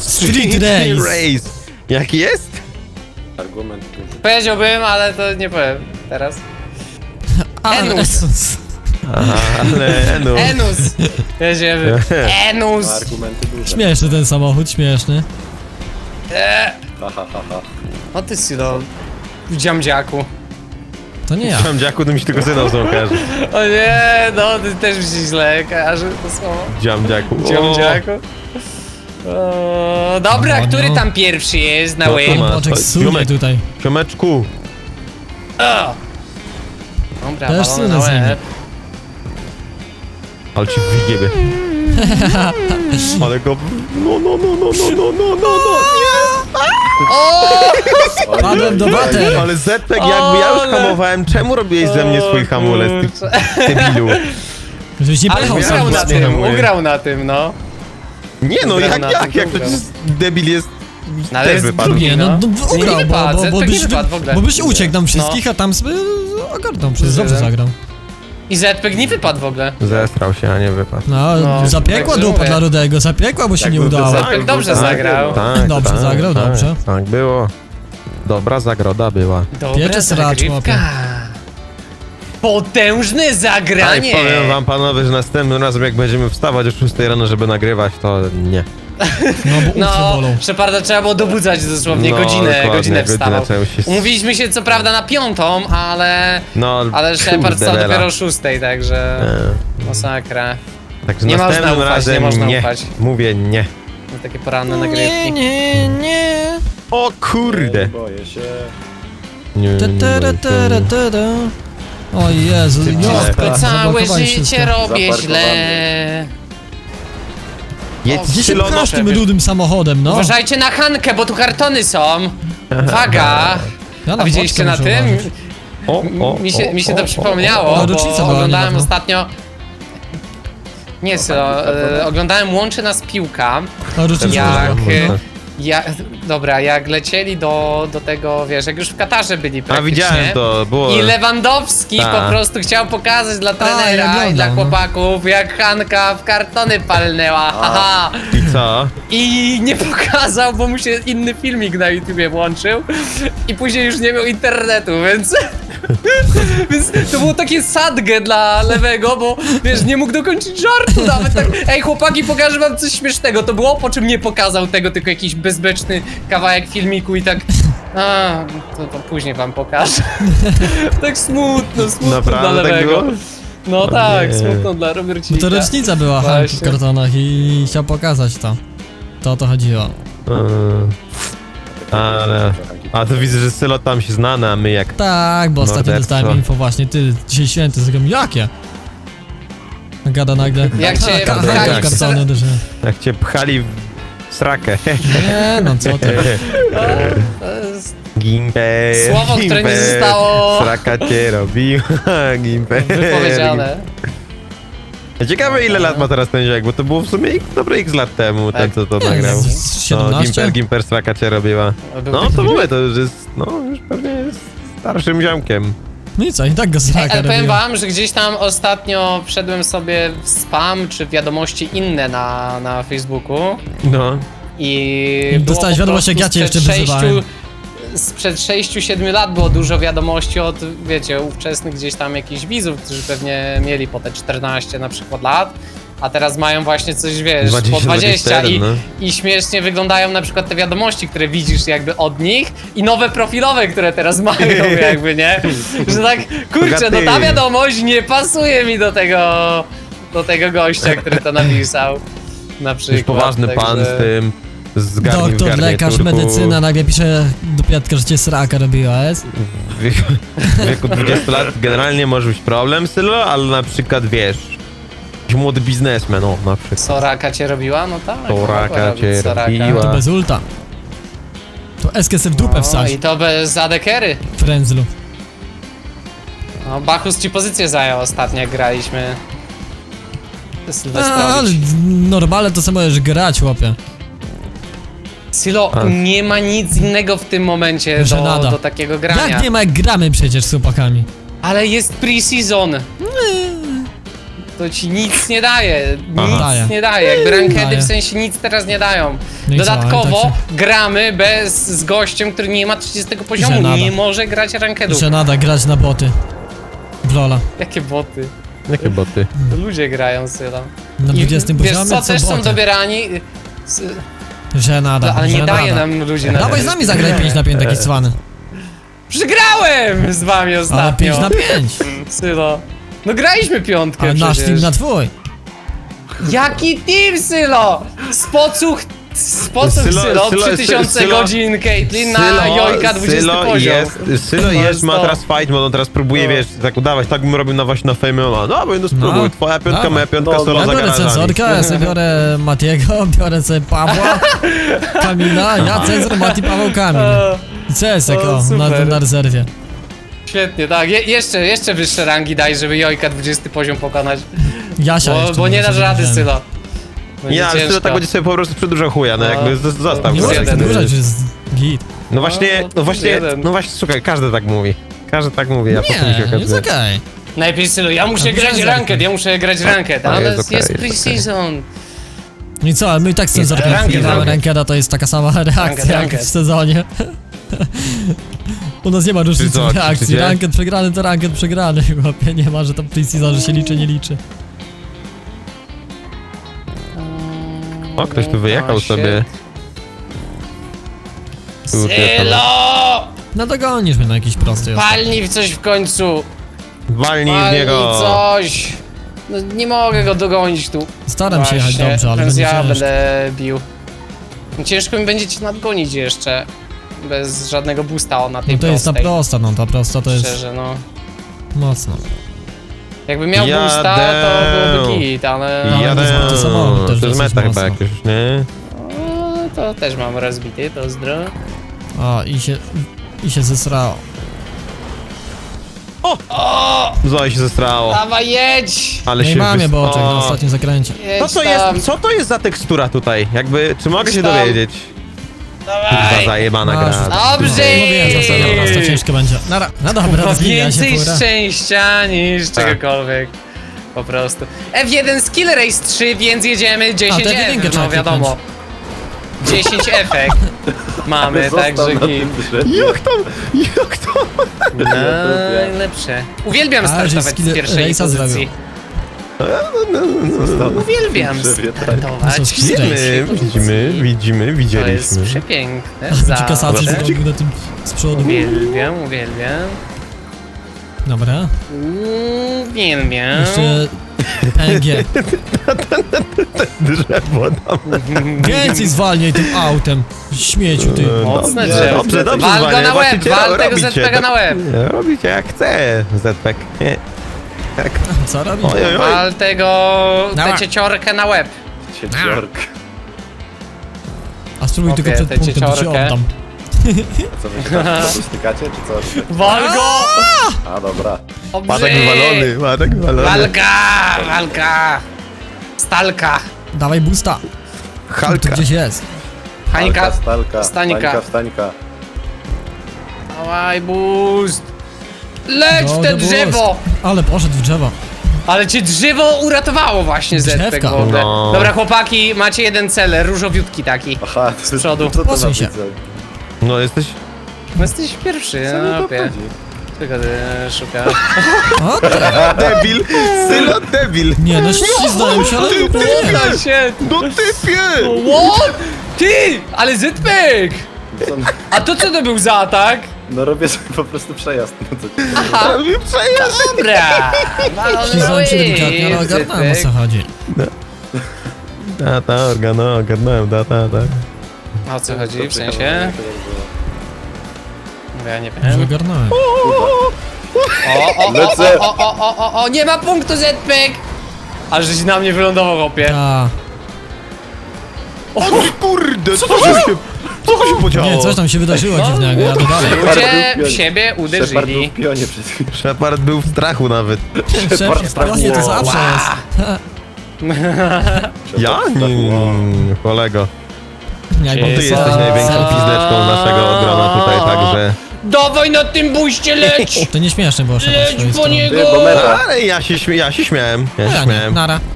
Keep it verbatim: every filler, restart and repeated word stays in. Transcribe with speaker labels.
Speaker 1: Street Race.
Speaker 2: Race. Jaki jest?
Speaker 3: Argument duży.
Speaker 4: Powiedziałbym, ale to nie powiem teraz. Enus.
Speaker 2: Aha, ale no.
Speaker 4: Enus! Jedziemy. Enus!
Speaker 3: Ma argumenty duże.
Speaker 1: Śmieszny ten samochód, śmieszny.
Speaker 4: Eee.
Speaker 3: Ha, ha, ha, ha.
Speaker 4: O ty Silo, w dziamdziaku.
Speaker 1: To nie ja.
Speaker 2: Mam dziaku, to mi się tylko syną są kojarzy.
Speaker 4: O nie, no ty też mi się źle kojarzy to słowo.
Speaker 2: Dziam dziaku.
Speaker 4: Dziamdziaku. O, dobra,
Speaker 1: No,
Speaker 4: który
Speaker 1: no.
Speaker 4: tam pierwszy jest na
Speaker 2: No,
Speaker 4: łeb?
Speaker 2: tu ma.
Speaker 1: Boczek
Speaker 2: Oj,
Speaker 1: sunie
Speaker 2: ziomek.
Speaker 1: tutaj.
Speaker 2: Ciomeczku.
Speaker 4: O! Dobra,
Speaker 1: Też
Speaker 4: balon
Speaker 1: sunę
Speaker 4: na
Speaker 1: z nimi.
Speaker 4: łeb.
Speaker 2: Ale ci wyjebie. Ale go... No, no, no, no, no, no, no, no, no.
Speaker 4: O!
Speaker 1: Padłem do water.
Speaker 2: Ale Zetek, jakby ja już
Speaker 4: Ale-
Speaker 2: hamowałem, czemu robiłeś ze mnie swój hamulec, ty debilu?
Speaker 1: Żebyś nie
Speaker 4: Ale
Speaker 1: pojechał
Speaker 4: ugrał
Speaker 1: sam.
Speaker 4: na
Speaker 2: ładnie
Speaker 4: tym,
Speaker 2: hamuje.
Speaker 4: ugrał na tym, no.
Speaker 2: Nie no,
Speaker 4: Ugrał
Speaker 2: jak,
Speaker 4: na
Speaker 2: jak,
Speaker 4: tym,
Speaker 2: jak to
Speaker 4: ugrał.
Speaker 2: jest debil jest...
Speaker 4: No, ale
Speaker 2: też
Speaker 4: jest
Speaker 2: wypadł.
Speaker 4: drugi,
Speaker 1: Nie, no, no
Speaker 4: Nie,
Speaker 1: ugrał,
Speaker 4: nie
Speaker 1: bo,
Speaker 4: wypadł,
Speaker 1: bo, bo,
Speaker 4: Zetek nie
Speaker 1: byś,
Speaker 4: wypadł w ogóle.
Speaker 1: bo byś uciekł nam
Speaker 4: No.
Speaker 1: wszystkich, a tam sobie ogarnął przecież, dobrze
Speaker 4: Jeden.
Speaker 1: zagrał.
Speaker 4: I Zpek nie wypadł w ogóle.
Speaker 2: Zestrał się, a nie wypadł.
Speaker 1: No,
Speaker 4: No,
Speaker 1: zapiekła
Speaker 4: także
Speaker 1: dupa
Speaker 4: mówię.
Speaker 1: dla Rudego, zapiekła, bo się
Speaker 3: Jak
Speaker 1: nie
Speaker 3: byłby
Speaker 1: udało.
Speaker 3: Zetek,
Speaker 4: Zpek dobrze
Speaker 3: Tak,
Speaker 4: zagrał.
Speaker 2: Tak,
Speaker 1: Dobrze
Speaker 2: tak,
Speaker 1: zagrał,
Speaker 2: tak,
Speaker 1: dobrze.
Speaker 2: Tak było. Dobra zagroda była.
Speaker 4: Dobra
Speaker 1: Piecze sracz,
Speaker 4: zagrywka.
Speaker 1: łapie.
Speaker 4: Potężne
Speaker 2: Ale
Speaker 4: zagranie!
Speaker 2: powiem wam panowie, że następnym razem jak będziemy wstawać o szóstej rano, żeby nagrywać, to nie.
Speaker 1: No, bo
Speaker 4: No,
Speaker 1: ucho bolą.
Speaker 4: Szeparda trzeba było dobudzać dosłownie
Speaker 2: No,
Speaker 4: godzinę,
Speaker 2: dokładnie,
Speaker 4: godzinę
Speaker 2: godzinę
Speaker 4: wstawał.
Speaker 2: trzeba się-
Speaker 4: Umówiliśmy się co prawda na piątą, ale...
Speaker 2: No,
Speaker 4: Ale Shepard
Speaker 2: kurde,
Speaker 4: stał
Speaker 2: Lela.
Speaker 4: dopiero o szóstej, także...
Speaker 2: E,
Speaker 4: Masakra.
Speaker 2: Także
Speaker 4: Nie można
Speaker 2: następnym
Speaker 4: ufać,
Speaker 2: razem
Speaker 4: nie można
Speaker 2: nie.
Speaker 4: ufać.
Speaker 2: Mówię nie.
Speaker 4: No, takie poranne
Speaker 1: Nie,
Speaker 4: nagrywki.
Speaker 1: nie, nie.
Speaker 2: O kurde.
Speaker 3: Boję się.
Speaker 2: Nie,
Speaker 1: Ta,
Speaker 2: nie
Speaker 1: ta,
Speaker 2: boję
Speaker 1: ta,
Speaker 2: się.
Speaker 1: ta, ta, ta. O Jezu,
Speaker 2: Ty
Speaker 1: no,
Speaker 2: źle.
Speaker 4: Wszystko, całe
Speaker 1: zablokowali
Speaker 4: życie
Speaker 1: wszystko.
Speaker 4: robię
Speaker 3: Zaparkowany.
Speaker 4: źle.
Speaker 2: Jedź
Speaker 1: Gdzie się
Speaker 2: Sylo,
Speaker 1: pchasz
Speaker 4: no,
Speaker 1: tym rudym samochodem, no?
Speaker 4: Uważajcie na Hankę, bo tu kartony są. Uwaga!
Speaker 1: Ja
Speaker 4: A widzieliście na
Speaker 1: boczkę
Speaker 4: tym?
Speaker 1: muszę uważać.
Speaker 2: O, o,
Speaker 4: Mi się,
Speaker 2: o,
Speaker 4: mi się
Speaker 2: o,
Speaker 4: to
Speaker 2: o,
Speaker 4: przypomniało,
Speaker 1: o.
Speaker 4: bo
Speaker 1: Rocznica była
Speaker 4: oglądałem
Speaker 1: niedawno.
Speaker 4: ostatnio... Nie, Sylo, e, oglądałem Łączy Nas Piłka.
Speaker 1: O, rocznica
Speaker 4: Jak,
Speaker 1: była.
Speaker 4: e, ja, dobra, jak lecieli do, do tego, wiesz, jak już w Katarze byli
Speaker 2: A
Speaker 4: praktycznie.
Speaker 2: widziałem to, było...
Speaker 4: I Lewandowski
Speaker 2: Ta.
Speaker 4: po prostu chciał pokazać dla
Speaker 1: ja
Speaker 4: trenera i
Speaker 1: oglądam,
Speaker 4: dla
Speaker 1: no.
Speaker 4: chłopaków, jak Hanka w kartony palnęła, haha.
Speaker 2: I co?
Speaker 4: I nie pokazał, bo mu się inny filmik na YouTubie włączył i później już nie miał internetu, więc... Więc to było takie sadge dla Lewego, bo wiesz, nie mógł dokończyć żartu nawet tak. Ej chłopaki, pokażę wam coś śmiesznego. To było, po czym nie pokazał tego, tylko jakiś bezbeczny kawałek filmiku i tak... A, to, to później wam pokażę. Tak smutno, smutno
Speaker 2: Naprawdę
Speaker 4: dla
Speaker 2: tak
Speaker 4: Lewego.
Speaker 2: było?
Speaker 4: No tak,
Speaker 2: nie.
Speaker 4: smutno dla
Speaker 1: Bo
Speaker 4: Robercika.
Speaker 1: to rocznica była Hanki w
Speaker 4: Właśnie.
Speaker 1: kartonach i chciał pokazać to. To o to chodziło.
Speaker 2: Eee, Ale... A to widzę, że Sylo tam się znany, a my jak...
Speaker 1: Tak, bo ostatnio
Speaker 2: Morderstwo.
Speaker 1: dostałem info właśnie, ty, dzisiaj święty, zrobiłem, jakie? Gada nagle.
Speaker 4: Jak cię
Speaker 1: A, kartony,
Speaker 2: pchali w
Speaker 1: kartony duże.
Speaker 2: Jak cię pchali w srakę.
Speaker 1: Nie, no co ty.
Speaker 4: To jest
Speaker 2: Gimper,
Speaker 4: Słowo, które nie
Speaker 2: Gimper,
Speaker 4: zostało-
Speaker 2: Sraka cię robiła, Gimper.
Speaker 4: wypowiedziane.
Speaker 2: Ciekawe ile lat ma teraz ten ziak, bo to było w sumie x- dobre x lat temu, ten
Speaker 4: Tak.
Speaker 2: co to
Speaker 1: Nie,
Speaker 2: nagrał.
Speaker 1: z- z
Speaker 2: No,
Speaker 1: siedemnaście?
Speaker 2: Gimper, Gimper Sraka cię robiła.
Speaker 4: Był
Speaker 2: No
Speaker 4: taki
Speaker 2: to
Speaker 4: film?
Speaker 2: mówię, to już jest, no już pewnie jest starszym ziomkiem.
Speaker 1: No i co, i tak go
Speaker 4: Ej,
Speaker 1: sraka
Speaker 4: ale powiem
Speaker 1: robiła.
Speaker 4: wam, że gdzieś tam ostatnio wszedłem sobie w spam czy w wiadomości inne na, na Facebooku
Speaker 2: No.
Speaker 4: i
Speaker 1: I
Speaker 4: było
Speaker 1: dostałeś
Speaker 4: po
Speaker 1: wiadomość, jak
Speaker 4: prostu
Speaker 1: ja cię
Speaker 4: sprzed
Speaker 1: jeszcze wyzywałem.
Speaker 4: sześciu- Sprzed sześciu siedmiu lat było dużo wiadomości od, wiecie, ówczesnych gdzieś tam jakichś widzów, którzy pewnie mieli po te czternaście na przykład lat, a teraz mają właśnie coś, wiesz,
Speaker 2: dwadzieścia,
Speaker 4: po dwadzieścia i,
Speaker 2: dwadzieścia jeden,
Speaker 4: i śmiesznie wyglądają na przykład te wiadomości, które widzisz jakby od nich i nowe profilowe, które teraz mają jakby, nie? Że tak, kurczę, no ta wiadomość nie pasuje mi do tego, do tego gościa, który to napisał, na przykład.
Speaker 2: Już poważny
Speaker 4: także-
Speaker 2: pan z tym, z garni, w
Speaker 1: Doktor, lekarz,
Speaker 2: garniturku.
Speaker 1: medycyna, nagle pisze do Piatka, że cię sraka robiła, jest?
Speaker 2: W wieku, w wieku dwudziestu lat generalnie może być problem, Sylo, ale na przykład wiesz, jakiś młody biznesmen, o na przykład.
Speaker 4: Soraka cię robiła? No tak.
Speaker 2: Soraka
Speaker 4: mogła robić
Speaker 2: cię
Speaker 4: Soraka.
Speaker 2: robiła.
Speaker 1: To bez ulta. To eskę se w dupę
Speaker 4: No,
Speaker 1: wsadź,
Speaker 4: i to bez adekery.
Speaker 1: frędzlu.
Speaker 4: No, Bachus ci pozycję zajął ostatnio, jak graliśmy.
Speaker 1: A, ale
Speaker 4: Sylwestrowicz.
Speaker 1: normalne to samo możesz grać, chłopie.
Speaker 4: Silo,
Speaker 2: A.
Speaker 4: nie ma nic innego w tym momencie do,
Speaker 1: Żenada.
Speaker 4: do takiego grania.
Speaker 1: Jak nie ma, jak gramy przecież z chłopakami.
Speaker 4: Ale jest pre-season. to ci nic nie daje. Nic
Speaker 1: Daje.
Speaker 4: nie daje. Jakby rankedy
Speaker 1: Daje.
Speaker 4: w sensie nic teraz nie dają.
Speaker 1: No i co,
Speaker 4: Dodatkowo
Speaker 1: ale
Speaker 4: gramy bez, z gościem, który nie ma trzydziestego poziomu,
Speaker 1: nada.
Speaker 4: nie może grać rankedów.
Speaker 1: Że nada grać na boty. W Lola.
Speaker 4: Jakie boty?
Speaker 2: Jakie boty?
Speaker 4: To ludzie grają syla.
Speaker 1: Na
Speaker 4: I
Speaker 1: dwudziestym
Speaker 4: wiesz
Speaker 1: poziomie
Speaker 4: co,
Speaker 1: co
Speaker 4: też są
Speaker 1: boty.
Speaker 4: dobierani... s-
Speaker 1: Że nada,
Speaker 4: Ale nie
Speaker 1: że
Speaker 4: daje
Speaker 1: nada.
Speaker 4: nam ludzi na...
Speaker 1: Dawaj z nami zagraj pięć na pięć taki cwany.
Speaker 4: Przegrałem z wami
Speaker 1: Ale
Speaker 4: ostatnio.
Speaker 1: pięć na pięć.
Speaker 4: Sylo. No graliśmy piątkę
Speaker 1: A nasz
Speaker 4: przecież.
Speaker 1: team na twój.
Speaker 4: Jaki team, Sylo? Spocuch... Spocuch,
Speaker 2: Sylo-
Speaker 4: Sylo,
Speaker 2: Sylo-
Speaker 4: trzy tysiące
Speaker 2: Sylo-
Speaker 4: godzin, Caitlyn na Jojka dwudziesty
Speaker 2: Sylo
Speaker 4: poziom.
Speaker 2: jest, Sylo jest, ma
Speaker 4: sto.
Speaker 2: teraz fight mode, on teraz próbuje,
Speaker 4: No.
Speaker 2: wiesz, tak udawać, tak bym robił na właśnie na Fame M M A. No, no spróbuj,
Speaker 1: No.
Speaker 2: twoja piątka,
Speaker 1: Dawaj.
Speaker 2: moja piątka,
Speaker 3: No,
Speaker 2: solo
Speaker 1: Ja
Speaker 2: za
Speaker 1: biorę
Speaker 2: garażami.
Speaker 1: censorkę, ja sobie biorę Matiego, biorę sobie Pawła, Kamila, ja cenzor, Mati, Paweł, Kamil.
Speaker 4: O,
Speaker 1: I C S ek,
Speaker 4: O,
Speaker 1: o, na,
Speaker 4: super.
Speaker 1: na rezerwie.
Speaker 4: świetnie, tak. Je, jeszcze, jeszcze wyższe rangi daj, żeby Jojka dwudziesty poziom pokonać.
Speaker 1: Jasia
Speaker 4: Bo,
Speaker 1: jeszcze
Speaker 4: bo nie
Speaker 1: może
Speaker 4: dasz rady,
Speaker 1: wziąłem.
Speaker 4: Sylo. Będzie
Speaker 2: Nie, ale Sylo
Speaker 4: ciężko.
Speaker 2: tak będzie sobie po prostu przedłużał chuja, no
Speaker 4: No.
Speaker 2: jakby z- zostaw
Speaker 1: Nie
Speaker 2: go.
Speaker 1: możesz
Speaker 4: jeden.
Speaker 1: przedłużać, że jest git.
Speaker 2: No właśnie,
Speaker 4: No,
Speaker 2: no właśnie,
Speaker 4: jeden.
Speaker 2: no właśnie, słuchaj, każdy tak mówi. Każdy tak mówi, a potem się
Speaker 1: Nie, jest
Speaker 2: okazuje.
Speaker 1: okej.
Speaker 4: Najpierw Sylo, ja muszę
Speaker 1: A
Speaker 4: grać
Speaker 1: muszę
Speaker 4: ranked,
Speaker 1: zagrać.
Speaker 4: ja muszę grać ranked,
Speaker 2: A,
Speaker 4: ale
Speaker 2: jest
Speaker 4: jest,
Speaker 2: okej,
Speaker 4: jest
Speaker 2: jest
Speaker 4: pre-season.
Speaker 1: No i co, ale my i tak z cenzorką
Speaker 4: ranked,
Speaker 1: gramy
Speaker 4: ranked.
Speaker 1: rankeda, to jest taka sama reakcja
Speaker 4: Ranked,
Speaker 1: jak
Speaker 4: ranked.
Speaker 1: w sezonie. U nas nie ma różnicy
Speaker 2: co,
Speaker 1: w reakcji,
Speaker 2: krzyczycie?
Speaker 1: ranked przegrany to ranked przegrany, chłopie, nie ma, że to pre-season, że się liczy, nie liczy.
Speaker 2: O, ktoś tu wyjechał
Speaker 4: O, shit.
Speaker 2: sobie. Tu, ty,
Speaker 4: Sylo!
Speaker 1: No dogonisz mnie na jakiś prosty.
Speaker 4: Palnij w coś w końcu!
Speaker 2: Walnij w
Speaker 4: Palnij
Speaker 2: niego.
Speaker 4: coś! No nie mogę go dogonić tu.
Speaker 1: Staram się jechać
Speaker 4: Właśnie,
Speaker 1: dobrze, ale
Speaker 4: teraz
Speaker 1: będzie
Speaker 4: ja
Speaker 1: ciężko.
Speaker 4: będę bił. Ciężko mi będzie cię nadgonić jeszcze. Bez żadnego boosta na tej
Speaker 1: No to jest ta
Speaker 4: prostej.
Speaker 1: prosta, no ta prosta to jest
Speaker 4: Szczerze, no.
Speaker 1: mocno.
Speaker 4: Jakby miał
Speaker 2: Jadę.
Speaker 4: boosta, to byłoby git, ale...
Speaker 1: Ja-
Speaker 2: Jadę,
Speaker 1: to jest samochód też
Speaker 2: to jest
Speaker 1: dosyć
Speaker 2: meta chyba
Speaker 1: mocno.
Speaker 2: jakieś, nie?
Speaker 4: No, to też mam rozbity, pozdro.
Speaker 1: O, i się, i się zesrało.
Speaker 4: O!
Speaker 2: Zoe się zestrało.
Speaker 4: Dawaj, jedź!
Speaker 2: Ale
Speaker 1: No i
Speaker 2: się
Speaker 1: mamy
Speaker 2: wys-
Speaker 1: boczek
Speaker 2: O.
Speaker 1: na ostatnim zakręcie.
Speaker 2: Co
Speaker 4: Jedź
Speaker 2: to
Speaker 4: tam.
Speaker 2: jest, co to jest za tekstura tutaj? Jakby, czy mogę się
Speaker 4: Tam.
Speaker 2: dowiedzieć? Kurwa,
Speaker 4: Dawaj!
Speaker 2: zajebana
Speaker 1: Masz.
Speaker 2: gra.
Speaker 4: Dobrze!
Speaker 1: Mówiłem, że ostatnia prosta ciężko będzie. Nara, no dobra,
Speaker 4: Ma
Speaker 1: rozwija się
Speaker 4: więcej
Speaker 1: fura.
Speaker 4: szczęścia niż
Speaker 2: Tak.
Speaker 4: czegokolwiek. Po prostu. F jeden Skill Race trzy, więc jedziemy dziesięć
Speaker 1: A, to F
Speaker 4: F,
Speaker 1: jeden
Speaker 4: no
Speaker 1: trzeba
Speaker 4: wiadomo. dziesięć efekt mamy,
Speaker 3: Został
Speaker 4: także
Speaker 3: na
Speaker 4: git.
Speaker 3: tym drzewie.
Speaker 2: Jak tam, jak tam?
Speaker 4: Najlepsze. Uwielbiam
Speaker 1: A, że
Speaker 4: startować
Speaker 1: skill
Speaker 4: z pierwszej
Speaker 1: race'a
Speaker 4: pozycji.
Speaker 1: zrobił.
Speaker 3: Został na
Speaker 4: Uwielbiam
Speaker 3: tym drzewie, tak.
Speaker 4: startować
Speaker 1: To
Speaker 4: z
Speaker 1: są skill
Speaker 4: pierwszej
Speaker 2: Widzimy,
Speaker 4: pozycji.
Speaker 2: widzimy, widzimy,
Speaker 4: To jest
Speaker 2: widzieliśmy.
Speaker 4: przepiękne,
Speaker 1: Czy kasację
Speaker 4: zawsze.
Speaker 1: zrobił na tym z przodu?
Speaker 4: Uwielbiam, uwielbiam.
Speaker 1: Dobra.
Speaker 4: Uwielbiam.
Speaker 1: Jeszcze P N G.
Speaker 2: Drzewo tam.
Speaker 1: Więcej zwalniaj tym autem. Śmieciu ty.
Speaker 4: Mocne
Speaker 2: Dobrze,
Speaker 4: drzewo.
Speaker 2: dobrze, dobrze,
Speaker 4: Wal go
Speaker 2: zwalniaj,
Speaker 4: na łeb,
Speaker 2: właściciele,
Speaker 4: wal tego
Speaker 2: robicie,
Speaker 4: Z P G na łeb.
Speaker 2: Nie, robicie jak chce, Z-Pack. Nie. Tak.
Speaker 1: Co robi?
Speaker 2: Oj, oj, oj.
Speaker 4: Wal tego,
Speaker 1: Dawaj.
Speaker 4: tę cieciorkę na łeb.
Speaker 3: Cieciork.
Speaker 1: A spróbuj
Speaker 4: Okej,
Speaker 1: tylko przed
Speaker 4: tę
Speaker 1: punktem, to ci
Speaker 4: cieciorkę.
Speaker 1: oddam.
Speaker 3: Co wy się tam stykacie, czy co?
Speaker 4: Wal go!
Speaker 3: A, dobra.
Speaker 2: Patek wywalony, patek wywalony.
Speaker 4: Walka! Walka! Stalka!
Speaker 1: Dawaj boosta. Tu
Speaker 2: Halka.
Speaker 1: gdzieś jest.
Speaker 4: Hańka!
Speaker 3: Stalka, stalka,
Speaker 4: Stanika.
Speaker 3: Stańka, wstańka.
Speaker 4: Dawaj, boost! Leć w
Speaker 1: Go,
Speaker 4: te
Speaker 1: the boost.
Speaker 4: drzewo!
Speaker 1: Ale poszedł w drzewo.
Speaker 4: Ale cię drzewo uratowało właśnie, Zetek w
Speaker 1: Drzewka.
Speaker 4: ogóle.
Speaker 2: No.
Speaker 4: Dobra, chłopaki, macie jeden cel, różowiutki taki.
Speaker 3: Aha,
Speaker 4: Z przodu.
Speaker 3: Co to za
Speaker 1: Posuń się.
Speaker 3: widzę?
Speaker 2: No jesteś...
Speaker 4: No jesteś pierwszy,
Speaker 3: Co mi
Speaker 4: no
Speaker 3: to
Speaker 4: opie.
Speaker 3: chodzi?
Speaker 4: Tylko ty szukasz.
Speaker 1: O, ty.
Speaker 2: Debil! Sylo debil!
Speaker 1: Nie, no śliznąłem się, ale w ogóle nie.
Speaker 4: Uda się!
Speaker 2: No typie!
Speaker 4: What? Ty! Ale Zetpek!
Speaker 3: Co?
Speaker 4: A to co to był za atak?
Speaker 3: No robię sobie po prostu przejazd. No co ci
Speaker 4: Aha,
Speaker 2: Robi przejazd!
Speaker 4: dobra!
Speaker 1: Śliznąłem się delikatnie, ale ogarnąłem o co chodzi.
Speaker 2: Tata, organo, ogarnąłem, tata, tak.
Speaker 4: A o co chodzi, w sensie?
Speaker 3: sensie?
Speaker 4: Ja nie
Speaker 1: Już
Speaker 4: wiem.
Speaker 1: ogarnąłem.
Speaker 4: O, o, o,
Speaker 3: Lecę.
Speaker 4: o, o, o, o, o, nie ma punktu Zetpek! Ale żeś na mnie wylądował, chłopie.
Speaker 1: Ta.
Speaker 2: O kurde, co to się... Co to się podziało?
Speaker 1: Nie, coś tam się wydarzyło
Speaker 4: No.
Speaker 1: dziwnego, jadę dalej.
Speaker 4: Ludzie w siebie
Speaker 3: Shepard był
Speaker 4: uderzyli.
Speaker 3: w pionie przed chwilą.
Speaker 2: Shepard był w strachu nawet.
Speaker 1: Szef, spokojnie, to zawsze jest.
Speaker 2: Ja? Nie, nie, nie, kolego.
Speaker 1: Jak
Speaker 2: Bo ty
Speaker 4: Jezu.
Speaker 2: jesteś największą pizdeczką naszego grona tutaj, także...
Speaker 4: Dawaj na tym buście, leć!
Speaker 1: To nie śmieszne było, Shepard, z
Speaker 4: Leć
Speaker 1: twojej
Speaker 4: po
Speaker 1: strony.
Speaker 4: niego!
Speaker 3: Ty, bo meta.
Speaker 2: Ale ja się, śmie ja się śmiałem, ja
Speaker 1: No
Speaker 2: się
Speaker 1: ja nie,
Speaker 2: śmiałem.
Speaker 1: nara.